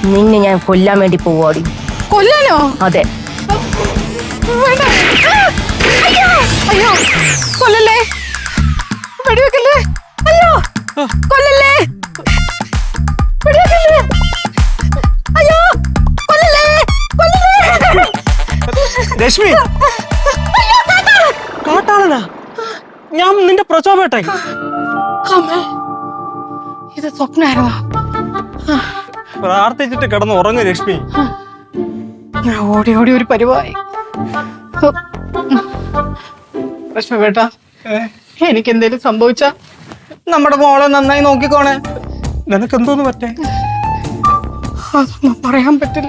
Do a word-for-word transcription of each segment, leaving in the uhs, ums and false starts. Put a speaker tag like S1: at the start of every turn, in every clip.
S1: നിന്നെ ഞാൻ കൊല്ലാൻ വേണ്ടി പോവാടി.
S2: കൊല്ലാനോ?
S1: അതെ.
S2: അയ്യോ അയ്യോ കൊല്ലല്ലേ, വെടിവെക്കല്ലേ, അയ്യോ കൊല്ലല്ലേ, വെടിവെക്കല്ലേ, അയ്യോ കൊല്ലല്ലേ, കൊല്ലല്ലേ.
S3: രശ്മി, കാട്ടാളനാ? ഞാൻ നിന്റെ പ്രചോപേട്ടായി.
S2: അമ്മേ, ഇത് സ്വപ്നായിരുന്നോ?
S3: പ്രാർത്ഥിച്ചിട്ട് കിടന്ന് ഉറങ്ങ് രശ്മി.
S2: ഞാൻ ഓടി ഓടി ഒരു പരിവായി. പ്രശ്നവേട്ടാ, എനിക്ക് എന്തേലും സംഭവിച്ച നമ്മുടെ മോളെ നന്നായി നോക്കിക്കോണേ.
S3: നിനക്ക് എന്തോന്ന് പറ്റേ?
S2: അതൊന്നും പറയാൻ പറ്റില്ല.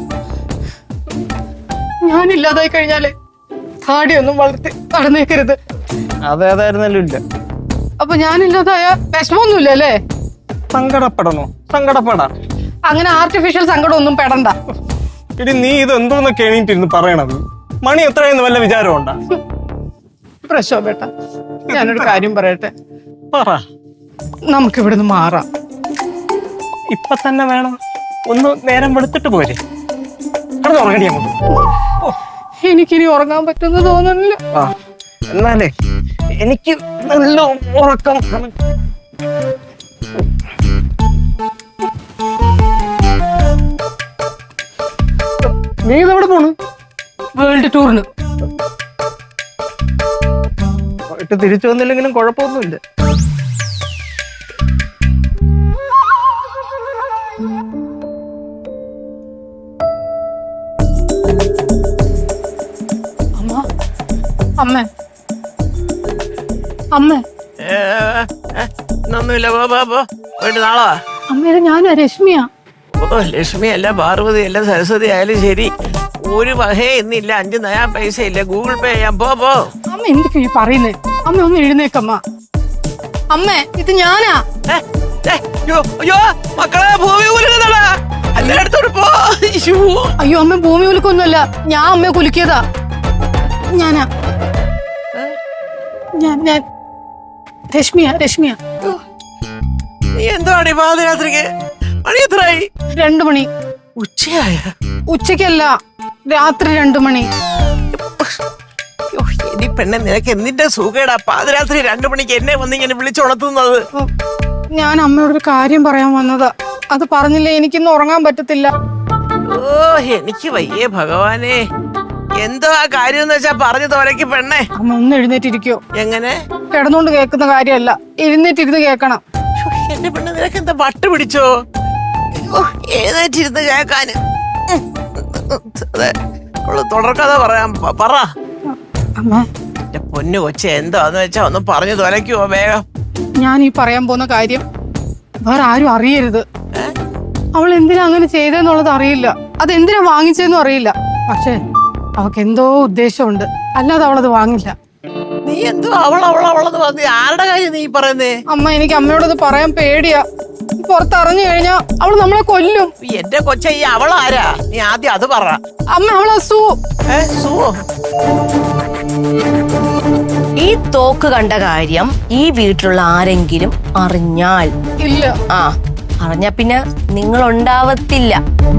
S2: ഞാനില്ലാതായി കഴിഞ്ഞാലേ താടിയൊന്നും വളർത്തി നടന്നേക്കരുത്.
S3: അതേതായിരുന്നല്ലോ ഇല്ല.
S2: അപ്പൊ ഞാനില്ലാതായ വിഷമൊന്നുമില്ല അല്ലേ?
S3: സങ്കടപ്പെടണോ? സങ്കടപ്പെടാം.
S2: അങ്ങനെ ആർട്ടിഫിഷ്യൽ സങ്കടം ഒന്നും പെടണ്ട.
S3: ഇടി, നീ ഇത് എന്തോന്നൊക്കെ എണീറ്റിരുന്ന് പറയണത്? മണി എത്രയെന്ന് വല്ല വിചാരമുണ്ടാ?
S2: പ്രശോഭേട്ട, ഞാനൊരു കാര്യം പറയട്ടെ.
S3: പറ.
S2: നമുക്ക് ഇവിടുന്ന് മാറാം.
S3: ഇപ്പൊ തന്നെ വേണം? ഒന്ന് നേരം വെളുത്തിട്ട് പോരെ. കിടന്ന് ഉറങ്ങടി നമുക്ക്.
S2: എനിക്കിനി ഉറങ്ങാൻ പറ്റുമെന്ന് തോന്നുന്നില്ല.
S3: ആ, എന്നാലേ എനിക്ക് നല്ല ഉറക്കം. നീ ഇതെവിടെ പോണു?
S2: വേൾഡ് ടൂറിന്.
S3: പോയിട്ട് തിരിച്ചു വന്നില്ലെങ്കിലും കുഴപ്പമൊന്നുമില്ല.
S2: അമ്മ, അമ്മ, അമ്മ.
S4: ഒന്നുമില്ല, പോ പോ പോ പോയിട്ട് നാളാ.
S2: അമ്മയുടെ ഞാനാ രശ്മിയാ.
S4: ഓ, ലക്ഷ്മി അല്ല, പാർവതി അല്ല, സരസ്വതി ആയാലും ശരി, ഒരു വകേ ഇന്നില്ല. അഞ്ച് നയാ പൈസ ഇല്ല, ഗൂഗിൾ പേ ചെയ്യാൻ. പോ പോ.
S2: അമ്മ എന്തൊക്കെയാ ഈ പറയുന്നേ? അമ്മ ഒന്ന് എഴുന്നേക്കമ്മ. അമ്മേ, ഇത് ഞാനാ.
S4: മക്കളെ, ഭൂമി കുലുക്കുന്നടാ, എല്ലായിടത്തോട് പോ.
S2: അയ്യോ അമ്മ, ഭൂമി കുലുക്കൊന്നുമല്ല, ഞാൻ അമ്മയെ കുലുക്കിയതാ. ഞാനാ, ഞാൻ ഞാൻ രശ്മിയാ, രശ്മിയാ.
S4: നീ എന്താണ് പാതിരാത്രിക്ക്? മണി എത്രയായി?
S2: രണ്ടു മണി.
S4: ഉച്ചയായ?
S2: ഉച്ചക്കല്ല, രാത്രി രണ്ടു മണി.
S4: ഇനി പെണ്ണെ, നിനക്ക് എന്നിന്റെ സുഖേടാ പാതിരാത്രി രണ്ടു മണിക്ക് എന്നെ വന്ന് ഇങ്ങനെ വിളിച്ചുണർത്തുന്നത്?
S2: ഞാൻ അമ്മയോടൊരു കാര്യം പറയാൻ വന്നതാ. അത് പറഞ്ഞില്ലേ എനിക്കിന്ന് ഉറങ്ങാൻ പറ്റത്തില്ല.
S4: ഓ, എനിക്ക് വയ്യേ ഭഗവാനെ. എന്തോ ആ കാര്യം എന്ന് വെച്ചാ പറഞ്ഞു തോലക്ക് പെണ്ണെ.
S2: അമ്മ ഒന്ന് എഴുന്നേറ്റിരിക്കോ?
S4: എങ്ങനെ?
S2: കിടന്നുകൊണ്ട് കേൾക്കുന്ന കാര്യമല്ല, എഴുന്നേറ്റിരുന്ന് കേക്കണം.
S4: എന്റെ പെണ്ണ്, നിനക്ക് എന്താ വട്ട് പിടിച്ചോ? എഴുന്നേറ്റിരുന്ന് കേക്കാന്. അതെ, തുടർക്കഥ പറയാം. പറ.
S2: അമ്മ,
S4: എന്റെ പൊന്നു കൊച്ചെ, എന്താന്ന് വെച്ചാ ഒന്ന് പറഞ്ഞു തോലയ്ക്കുവോ വേഗം?
S2: ഞാൻ ഈ പറയാൻ പോകുന്ന കാര്യം വേറെ ആരും അറിയരുത്. അവൾ എന്തിനാ അങ്ങനെ ചെയ്തെന്നുള്ളത് അറിയില്ല, അതെന്തിനാ വാങ്ങിച്ചതെന്നും അറിയില്ല. പക്ഷെ അവൾക്ക് എന്തോ ഉദ്ദേശമുണ്ട്, അല്ലാതെ അവളത് വാങ്ങില്ല.
S4: നീ എന്തോ അവൾ അവൾ അവളെന്ന് പറഞ്ഞ ആരുടെ കാര്യം നീ പറയുന്നേ?
S2: അമ്മ, എനിക്ക് അമ്മയോടത് പറയാൻ പേടിയാ. പുറത്തറിഞ്ഞു കഴിഞ്ഞാ അവള് നമ്മളെ കൊല്ലും.
S4: എന്റെ കൊച്ച, ഈ അവളാരാ? നീ ആദ്യം അത് പറ.
S2: അമ്മ, അവളെ സൂ.
S4: ഏ, സുവോ?
S1: ഈ തോക്ക് കണ്ട കാര്യം ഈ വീട്ടിലുള്ള ആരെങ്കിലും അറിഞ്ഞാൽ?
S2: ഇല്ല.
S1: ആ, അറിഞ്ഞ പിന്നെ നിങ്ങൾ ഉണ്ടാവത്തില്ല.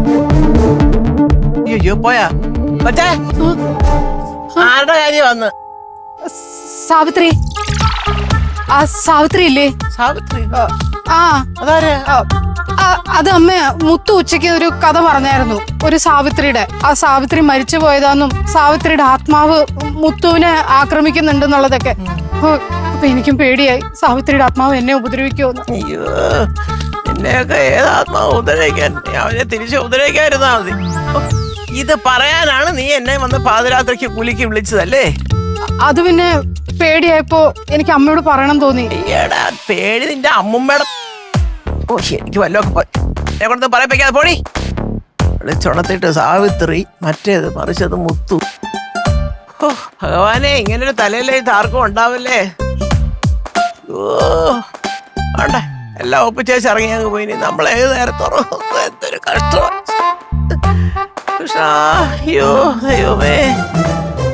S4: അയ്യോ, പോയാ കൊച്ചേ? ആരുടെ കാര്യം വന്ന്?
S2: സാവിത്രി. ആ സാവിത്രി ഇല്ലേ?
S4: സാവിത്രി?
S2: ആ,
S4: അതാരാ?
S2: അത് അമ്മ മുത്തു ഉച്ചയ്ക്ക് ഒരു കഥ പറഞ്ഞായിരുന്നു, ഒരു സാവിത്രിയുടെ. ആ സാവിത്രി മരിച്ചു പോയതാന്നും സാവിത്രിയുടെ ആത്മാവ് മുത്തുവിനെ ആക്രമിക്കുന്നുണ്ടെന്നുള്ളതൊക്കെ. അപ്പൊ എനിക്കും പേടിയായി, സാവിത്രിയുടെ ആത്മാവ് എന്നെ ഉപദ്രവിക്കുമെന്ന്.
S4: അയ്യോ, എന്നെയൊക്കെ ഏതാത്മാവ് ഉപദ്രവിക്കാൻ? അവനെ തിരിച്ച് ഉപദ്രവിക്കാതിരുന്നാ മതി. ഇത് പറയാനാണ് നീ എന്നെ വന്ന് പാതിരാത്രിക്ക് കുലിക്ക് വിളിച്ചതല്ലേ?
S2: അത് പിന്നെ പേടിയായപ്പോ എനിക്ക് അമ്മയോട് പറയണം തോന്നി.
S4: എടാ, പേടി നിന്റെ അമ്മുമ്മയുടെ. ഓ, എനിക്ക് വല്ലതൊക്കെ എന്നെ കൊണ്ട് പറയിപ്പിക്കാതെ പോടി. വിളിച്ചുണർത്തിട്ട് സാവിത്രി, മറ്റേത് മറിച്ചത് മുത്തു. ഓ ഭഗവാനെ, ഇങ്ങനൊരു തലയിലേക്ക് ആർക്കും ഉണ്ടാവില്ലേ? ഓ വേണ്ട, എല്ലാം ഒപ്പിച്ചേച്ച് ഇറങ്ങി അങ്ങ് പോയിനി. നമ്മളേത് നേരത്തോറോ എന്തൊരു കഷ്ടമാണ്. കൃഷ്ണ, അയ്യോ ദൈവമേ.